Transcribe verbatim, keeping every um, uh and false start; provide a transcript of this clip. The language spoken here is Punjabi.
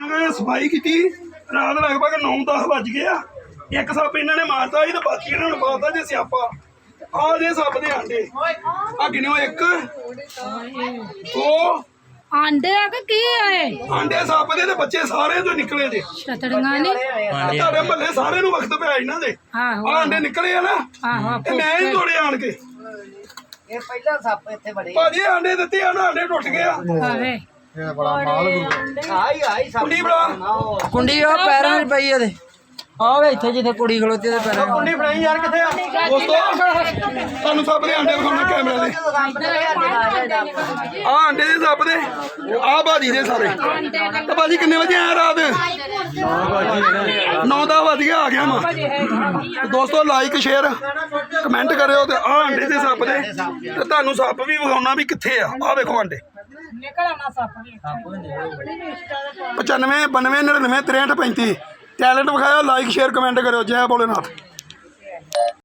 सफाई की रात लगभग नौ दस बज गए एक सप इन्होंने मारता ही तो बाकी इन्होंने पाता जे स्यापा आ जे सप दे आंडे आ गिनो एक दो आंडे आ की आए आंडे सप दे ते बच्चे सारे जो निकले जे छतड़ियां ने ਤੁਹਾਡੇ ਮਹੱਲੇ ਸਾਰੇ ਨੂੰ ਵਕਤ ਪਿਆ ਇਹਨਾਂ ਦੇ आहो ਆ ਆਂਡੇ ਨਿਕਲੇ ਆ ਨਾ आहो ਤੇ ਮੈਂ ਹੀ ਤੋੜੇ ਆਣ ਕੇ ਇਹ ਪਹਿਲਾਂ ਸੱਪ ਇੱਥੇ ਬੜੇ ਭਾਜੀ ਆਂਡੇ ਦਿੱਤੇ ਆ ਨਾ ਆਂਡੇ ਟੁੱਟ ਗਏ ਆ आवे ਆਈ ਆਈ ਸੱਪ ਕੁੰਡੀ ਬੜਾ ਕੁੰਡੀ ਉਹ ਪੈਰਾਂ 'ਚ ਪਈ ਇਹਦੇ ਆ ਵੇ ਇੱਥੇ ਜਿੱਥੇ ਕੁੜੀ ਖਲੋਤੀ ਉਹਦੇ ਪੈਰਾਂ 'ਚ ਕੁੰਡੀ ਫੜਾਈ ਯਾਰ ਕਿੱਥੇ ਆ ਦੋਸਤੋ ਤੁਹਾਨੂੰ ਸੱਪ ਦੇ ਆਂਡੇ ਵਿਖਾਉਣਾ ਕੈਮਰੇ ਦੇ ਆ ਆਂਡੇ ਦੇ ਸੱਪ ਦੇ ਆ ਭਾਜੀ ਦੇ ਸਾਰੇ ਤੇ ਭਾਜੀ ਕਿੰਨੇ ਵਜੇ ਆਇਆ ਰਾਤ ਨੌ ਦਸ ਵਜ ਕੇ ਆ ਗਿਆ ਮੈਂ ਤੇ ਦੋਸਤੋ ਲਾਈਕ ਸ਼ੇਅਰ ਕਮੈਂਟ ਕਰਿਓ ਤੇ ਆ ਆਂਡੇ ਦੇ ਸੱਪ ਦੇ ਤੇ ਤੁਹਾਨੂੰ ਸੱਪ ਵੀ ਵਿਖਾਉਣਾ ਵੀ ਕਿੱਥੇ ਆ ਆ ਵੇਖੋ ਆਂਡੇ ਪਚਾਨਵੇਂ ਬਾਨਵੇਂ ਨੜਿਨਵੇਂ ਤਰੇਹਠ ਪੈਂਤੀ ਟੈਲੈਂਟ ਵਿਖਾਇਆ ਲਾਈਕ ਸ਼ੇਅਰ ਕਮੈਂਟ ਕਰਿਓ ਜੈ ਭੋਲੇਨਾਥ।